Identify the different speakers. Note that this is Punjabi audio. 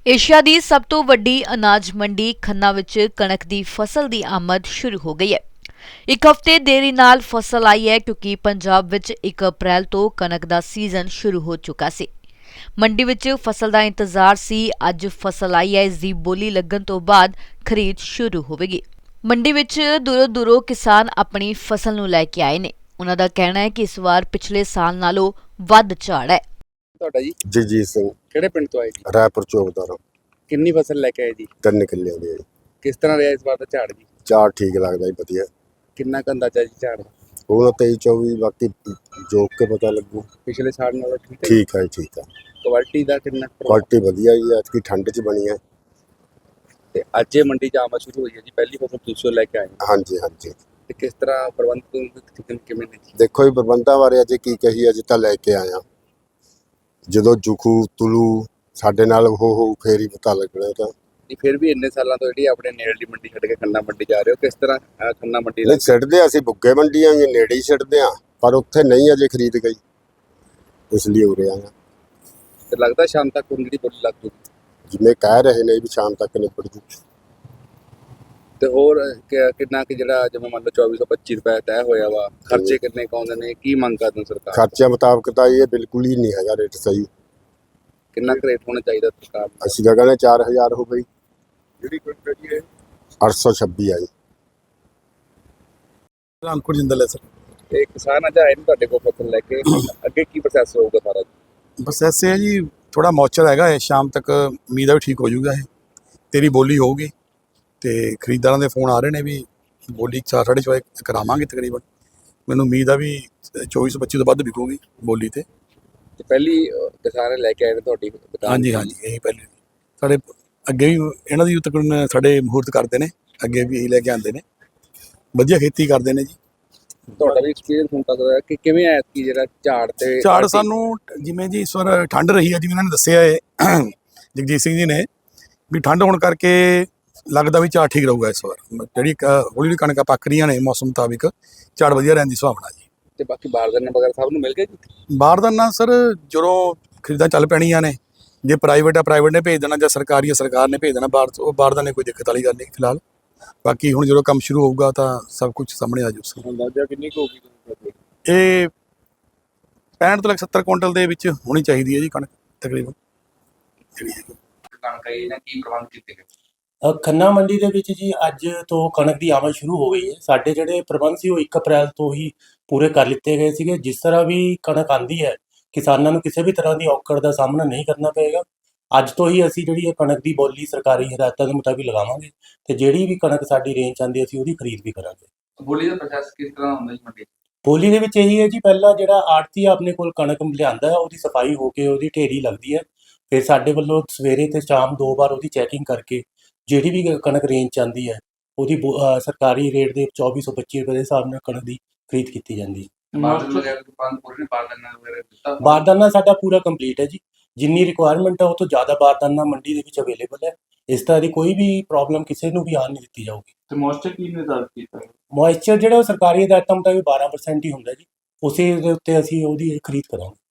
Speaker 1: ਏਸ਼ੀਆ ਦੀ ਸਭ ਤੋਂ ਵੱਡੀ ਅਨਾਜ ਮੰਡੀ ਖੰਨਾ ਵਿੱਚ ਕਣਕ ਦੀ ਫਸਲ ਦੀ ਆਮਦ ਸ਼ੁਰੂ ਹੋ ਗਈ ਹੈ। ਇੱਕ ਹਫ਼ਤੇ ਦੇਰੀ ਨਾਲ ਫਸਲ ਆਈ ਹੈ ਕਿਉਂਕਿ ਪੰਜਾਬ ਵਿੱਚ 1 ਅਪ੍ਰੈਲ ਤੋਂ ਕਣਕ ਦਾ ਸੀਜ਼ਨ ਸ਼ੁਰੂ ਹੋ ਚੁੱਕਾ ਸੀ। ਮੰਡੀ ਵਿੱਚ ਫਸਲ ਦਾ ਇੰਤਜ਼ਾਰ ਸੀ। ਅੱਜ ਫਸਲ ਆਈ ਹੈ। ਇਸ ਦੀ ਬੋਲੀ ਲੱਗਣ ਤੋਂ ਬਾਅਦ ਖਰੀਦ ਸ਼ੁਰੂ ਹੋਵੇਗੀ। ਮੰਡੀ ਵਿੱਚ ਦੂਰੋਂ ਕਿਸਾਨ ਆਪਣੀ ਫਸਲ ਨੂੰ ਲੈ ਕੇ ਆਏ ਨੇ। ਉਹਨਾਂ ਦਾ ਕਹਿਣਾ ਹੈ ਕਿ ਇਸ ਵਾਰ ਪਿਛਲੇ ਸਾਲ ਨਾਲੋਂ ਵੱਧ ਝਾੜ ਹੈ।
Speaker 2: ਤੁਹਾਡਾ ਜੀ
Speaker 3: ਜਗਜੀਤ ਸਿੰਘ
Speaker 2: ਕਿਹੜੇ ਪਿੰਡ ਤੋਂ ਆਏ ਜੀ?
Speaker 3: ਰਾਏਪੁਰ ਚੌਕਦਾਰ।
Speaker 2: ਕਿੰਨੀ ਫਸਲ ਲੈ ਕੇ ਆਏ ਜੀ?
Speaker 3: 3 ਕਿੱਲਿਆਂ ਦੀ ਹੈ ਜੀ।
Speaker 2: ਕਿਸ ਤਰ੍ਹਾਂ ਰਿਹਾ ਇਸ ਵਾਰ ਦਾ ਝਾੜ ਜੀ?
Speaker 3: ਝਾੜ ਠੀਕ ਲੱਗਦਾ ਜੀ, ਵਧੀਆ।
Speaker 2: ਕਿੰਨਾ ਕੁ ਅੰਦਾਜ਼ਾ ਜੀ ਝਾੜ?
Speaker 3: ਹੁਣ 23-24 ਬਾਕੀ ਜੋਕ ਕੇ ਪਤਾ ਲੱਗੂ।
Speaker 2: ਪਿਛਲੇ ਸਾਲ ਨਾਲੋਂ ਠੀਕ ਹੈ?
Speaker 3: ਠੀਕ ਹੈ ਜੀ, ਠੀਕ ਹੈ।
Speaker 2: ਕੁਆਲਿਟੀ ਦਾ ਕਿੰਨਾ
Speaker 3: ਕੁਆਲਿਟੀ ਵਧੀਆ ਜੀ, ਐਤਕੀ ਠੰਡ 'ਚ ਬਣੀ ਹੈ।
Speaker 2: ਤੇ ਅੱਜ ਇਹ ਮੰਡੀ 'ਚ ਆਮਦ ਸ਼ੁਰੂ ਹੋਈ ਹੈ ਜੀ, ਪਹਿਲੀ ਫਸਲ ਤੁਸੀਂ ਲੈ ਕੇ ਆਏ ਹੋ।
Speaker 3: ਹਾਂਜੀ ਹਾਂਜੀ।
Speaker 2: ਤੇ ਕਿਸ ਤਰ੍ਹਾਂ ਪ੍ਰਬੰਧ ਕਿਵੇਂ ਨੇ ਜੀ?
Speaker 3: ਦੇਖੋ ਜੀ, ਪ੍ਰਬੰਧਾਂ ਬਾਰੇ ਅੱਜ ਕੀ ਕਹੀ, ਅੱਜ ਤਾਂ ਲੈ ਕੇ ਆਇਆ। ਜਦੋਂ ਜੁਖੂ ਤੁਲੂ ਸਾਡੇ ਨਾਲ ਹੋ ਫੇਰ ਹੀ ਪਤਾ ਲੱਗਣਾ। ਤਾਂ
Speaker 2: ਜੀ ਫਿਰ ਵੀ ਇੰਨੇ ਸਾਲਾਂ ਤੋਂ ਜਿਹੜੀ ਆਪਣੇ ਨੇੜਲੀ ਮੰਡੀ ਛੱਡ ਕੇ ਖੰਨਾ ਮੰਡੀ ਜਾ ਰਹੇ ਹੋ, ਕਿਸ ਤਰ੍ਹਾਂ ਖੰਨਾ ਮੰਡੀ
Speaker 3: ਨਹੀਂ ਛੱਡਦੇ, ਅਸੀਂ ਬੁੱਗੇ ਮੰਡੀਆਂ ਜੀ ਨੇੜੇ ਹੀ ਛੱਡਦੇ ਹਾਂ, ਪਰ ਉੱਥੇ ਨਹੀਂ ਅਜੇ ਖਰੀਦ ਗਈ, ਇਸ ਲਈ ਉਰੇ ਆਇਆ।
Speaker 2: ਤੇ ਲੱਗਦਾ ਸ਼ਾਮ ਤੱਕ ਹੁਣ ਜਿਹੜੀ ਬੋਲੀ ਲੱਗ ਜੂਗੀ?
Speaker 3: ਜਿਵੇਂ ਕਹਿ ਰਹੇ ਨੇ ਵੀ ਸ਼ਾਮ ਤੱਕ ਨਿਬੜ ਜੂ।
Speaker 2: ਤੇ ਹੋਰ ਕਿੰਨਾ ਕਿ ਜਿਹੜਾ ਜਿਵੇਂ ਮੰਨ ਲਓ 2425 ਰੁਪਏ ਤੈਅ ਹੋਇਆ ਵਾ, ਖਰਚੇ ਕਿੰਨੇ ਕੁ ਆਉਂਦੇ ਨੇ, ਕੀ ਮੰਗ ਕਰਦੇ ਸਰਕਾਰ?
Speaker 3: ਖਰਚਿਆਂ ਮੁਤਾਬਕ ਤਾਂ ਇਹ ਬਿਲਕੁਲ ਹੀ ਨਹੀਂ ਹੈਗਾ ਰੇਟ ਸਹੀ।
Speaker 2: ਕਿੰਨਾ ਕੁ ਰੇਟ ਹੋਣਾ ਚਾਹੀਦਾ ਸਰਕਾਰ ਦਾ?
Speaker 3: ਅਸੀਂ ਤਾਂ ਕਹਿੰਦੇ 4000 ਹੋ ਗਈ।
Speaker 2: ਜਿਹੜੀ ਕੋਈ ਹੈ
Speaker 3: 826 ਆ ਜੀ।
Speaker 4: ਅੰਕੁਰ ਜਿੰਦਲ ਹੈ ਸਰ।
Speaker 2: ਤੇ ਕਿਸਾਨ ਅੱਜ ਆਏ ਨੇ ਤੁਹਾਡੇ ਕੋਲ ਫਸਲ ਲੈ ਕੇ, ਅੱਗੇ ਕੀ ਪ੍ਰੋਸੈਸ ਹੋਊਗਾ ਸਾਰਾ?
Speaker 4: ਬਸ ਐਸੇ ਹੈ ਜੀ, ਥੋੜਾ ਮੌਚਰ ਹੈਗਾ ਹੈ, ਸ਼ਾਮ ਤੱਕ ਉਮੀਦ ਹੈ ਵੀ ਠੀਕ ਹੋ ਜਾਊਗਾ। ਇਹ ਤੇਰੀ ਬੋਲੀ ਹੋਊਗੀ ਤੇ ਖਰੀਦਦਾਰਾਂ ਦੇ ਫੋਨ ਆ ਰਹੇ ਨੇ ਵੀ ਬੋਲੀ 4-4.5 ਕਰਾਵਾਂਗੇ ਤਕਰੀਬਨ। ਮੈਨੂੰ ਉਮੀਦ ਆ ਵੀ 24-25 ਤੋਂ ਵੱਧ ਵਿਕੂਗੀ ਬੋਲੀ ਤੇ
Speaker 2: ਪਹਿਲੀ ਕਿਸਾਨ ਲੈ ਕੇ ਆਏ ਨੇ ਤੁਹਾਡੀ ਦੁਕਾਨ?
Speaker 4: ਹਾਂਜੀ ਹਾਂਜੀ, ਇਹੀ ਪਹਿਲੇ ਸਾਡੇ ਅੱਗੇ ਵੀ ਇਹਨਾਂ ਦੀ ਤਕਰੀਬਨ ਸਾਡੇ ਮਹੂਰਤ ਕਰਦੇ ਨੇ, ਅੱਗੇ ਵੀ ਇਹੀ ਲੈ ਕੇ ਆਉਂਦੇ ਨੇ, ਵਧੀਆ ਖੇਤੀ ਕਰਦੇ ਨੇ ਜੀ।
Speaker 2: ਤੁਹਾਡਾ ਵੀ ਐਕਸਪੀਰੀਅੰਸ ਹੁਣ ਤੱਕ ਦਾ ਕਿ ਕਿਵੇਂ ਆਇਆ ਕਿ ਜਿਹੜਾ ਝਾੜ ਤੇ
Speaker 4: ਝਾੜ ਸਾਨੂੰ ਜਿਵੇਂ ਜੀ ਇਸ ਵਾਰ ਠੰਡ ਰਹੀ ਹੈ, ਜਿਵੇਂ ਇਹਨਾਂ ਨੇ ਦੱਸਿਆ ਹੈ ਜਗਜੀਤ ਸਿੰਘ ਜੀ ਨੇ, ਵੀ ਠੰਡ ਹੋਣ ਕਰਕੇ ਲੱਗਦਾ ਵੀ ਝਾੜ ਠੀਕ ਰਹੂਗਾ ਇਸ ਵਾਰ। ਜਿਹੜੀ ਹੌਲੀ ਹੌਲੀ ਕਣਕਾਂ ਪੱਕ ਰਹੀਆਂ ਨੇ ਮੌਸਮ ਮੁਤਾਬਿਕ, ਝਾੜ ਵਧੀਆ ਰਹਿਣ ਦੀ ਸੰਭਾਵਨਾ ਜੀ।
Speaker 2: ਤੇ ਬਾਕੀ ਬਾਰਦਾਨਾ ਵਗੈਰਾ ਸਭ ਨੂੰ ਮਿਲ ਗਿਆ ਜੀ?
Speaker 4: ਬਾਰਦਾਨਾ ਸਰ ਜਦੋਂ ਖਰੀਦਾਂ ਚੱਲ ਪੈਣੀਆਂ ਨੇ, ਜੇ ਪ੍ਰਾਈਵੇਟ ਆ ਪ੍ਰਾਈਵੇਟ ਨੇ ਭੇਜ ਦੇਣਾ, ਜਾਂ ਸਰਕਾਰੀ ਆ ਸਰਕਾਰ ਨੇ ਭੇਜ ਦੇਣਾ। ਬਾਰਦਾਨੇ ਕੋਈ ਦਿੱਕਤ ਵਾਲੀ ਗੱਲ ਨਹੀਂ ਫਿਲਹਾਲ। ਬਾਕੀ ਹੁਣ ਜਦੋਂ ਕੰਮ ਸ਼ੁਰੂ ਹੋਊਗਾ ਤਾਂ ਸਭ ਕੁਝ ਸਾਹਮਣੇ ਆ ਜਾਊ।
Speaker 2: ਅੰਦਾਜ਼ਾ ਕਿੰਨੀ ਕੁ ਹੋਊਗੀ?
Speaker 4: ਇਹ 65 ਤੋਂ 70 ਕੁਇੰਟਲ ਦੇ ਵਿੱਚ ਹੋਣੀ ਚਾਹੀਦੀ ਹੈ ਜੀ ਕਣਕ ਤਕਰੀਬਨ ਜਿਹੜੀ ਹੈ।
Speaker 2: ਕਣਕ ਇਹਨਾਂ ਕੀ ਪ੍ਰਬੰਧ ਕੀਤੇ ਗਏ?
Speaker 5: ਖੰਨਾ ਮੰਡੀ ਦੇ ਵਿੱਚ ਜੀ ਅੱਜ ਤੋਂ ਕਣਕ ਦੀ ਆਮਦ ਸ਼ੁਰੂ ਹੋ ਗਈ ਹੈ। ਸਾਡੇ ਜਿਹੜੇ ਪ੍ਰਬੰਧ ਸੀ ਉਹ 1 ਅਪ੍ਰੈਲ ਤੋਂ ਹੀ ਪੂਰੇ ਕਰ ਲਿੱਤੇ ਗਏ ਸੀਗੇ। ਜਿਸ ਤਰ੍ਹਾਂ ਵੀ ਕਣਕ ਆਉਂਦੀ ਹੈ, ਕਿਸਾਨਾਂ ਨੂੰ ਕਿਸੇ ਵੀ ਤਰ੍ਹਾਂ ਦੀ ਔਕੜ ਦਾ ਸਾਹਮਣਾ ਨਹੀਂ ਕਰਨਾ ਪਏਗਾ। ਅੱਜ ਤੋਂ ਹੀ ਅਸੀਂ ਜਿਹੜੀ ਇਹ ਕਣਕ ਦੀ ਬੋਲੀ ਸਰਕਾਰੀ ਹਦਾਇਤਾਂ ਦੇ ਮੁਤਾਬਿਕ ਲਗਾਵਾਂਗੇ ਤੇ ਜਿਹੜੀ ਵੀ ਕਣਕ ਸਾਡੀ ਰੇਂਜ ਆਉਂਦੀ ਅਸੀਂ ਉਹਦੀ ਖਰੀਦ ਵੀ ਕਰਾਂਗੇ।
Speaker 2: ਬੋਲੀ ਦਾ ਪ੍ਰੋਸੈਸ ਕਿਸ ਤਰ੍ਹਾਂ ਹੁੰਦਾ ਜੀ ਮੰਡੀ?
Speaker 5: ਬੋਲੀ ਦੇ ਵਿੱਚ ਇਹੀ ਹੈ ਜੀ, ਪਹਿਲਾਂ ਜਿਹੜਾ ਆੜ੍ਹਤੀ ਆਪਣੇ ਕੋਲ ਕਣਕ ਲਿਆਂਦਾ ਹੈ ਉਹਦੀ ਸਫਾਈ ਹੋ ਕੇ ਉਹਦੀ ਢੇਰੀ ਲੱਗਦੀ ਹੈ। ਫਿਰ ਸਾਡੇ ਵੱਲੋਂ ਸਵੇਰੇ ਤੇ ਸ਼ਾਮ 2 ਵਾਰ ਉਹਦੀ ਚੈਕਿੰਗ ਕਰਕੇ ਜਿਹੜੀ ਵੀ ਕਣਕ ਰੇਂਜ 'ਚ ਆਉਂਦੀ ਹੈ ਉਹਦੀ ਸਰਕਾਰੀ ਰੇਟ ਦੇ 2425 ਰੁਪਏ ਦੇ ਹਿਸਾਬ ਨਾਲ ਕਣਕ ਦੀ ਖਰੀਦ ਕੀਤੀ ਜਾਂਦੀ ਹੈ। ਬਾਰਦਾਨਾ ਸਾਡਾ ਪੂਰਾ ਕੰਪਲੀਟ ਹੈ ਜੀ। ਜਿੰਨੀ ਰਿਕੁਆਇਰਮੈਂਟ ਹੈ ਉਹ ਤੋਂ ਜ਼ਿਆਦਾ ਬਾਰਦਾਨਾ ਮੰਡੀ ਦੇ ਵਿੱਚ ਅਵੇਲੇਬਲ ਹੈ। ਇਸ ਤਰ੍ਹਾਂ ਦੀ ਕੋਈ ਵੀ ਪ੍ਰੋਬਲਮ ਕਿਸੇ ਨੂੰ ਵੀ ਆਉਣ ਨਹੀਂ ਦਿੱਤੀ ਜਾਊਗੀ।
Speaker 2: ਤੇ ਮੋਇਸਚਰ ਕੀ ਨਿਰਧਾਰਿਤ ਕੀਤਾ ਹੈ?
Speaker 5: ਮੋਇਸਚਰ ਜਿਹੜਾ ਉਹ ਸਰਕਾਰੀ ਹਦਾਇਤਾਂ ਮੁਤਾਬਿਕ 12% ਹੀ ਹੁੰਦਾ ਜੀ। ਉਸੇ ਦੇ ਉੱਤੇ ਅਸੀਂ ਉਹਦੀ ਖਰੀਦ ਕਰਾਂਗੇ।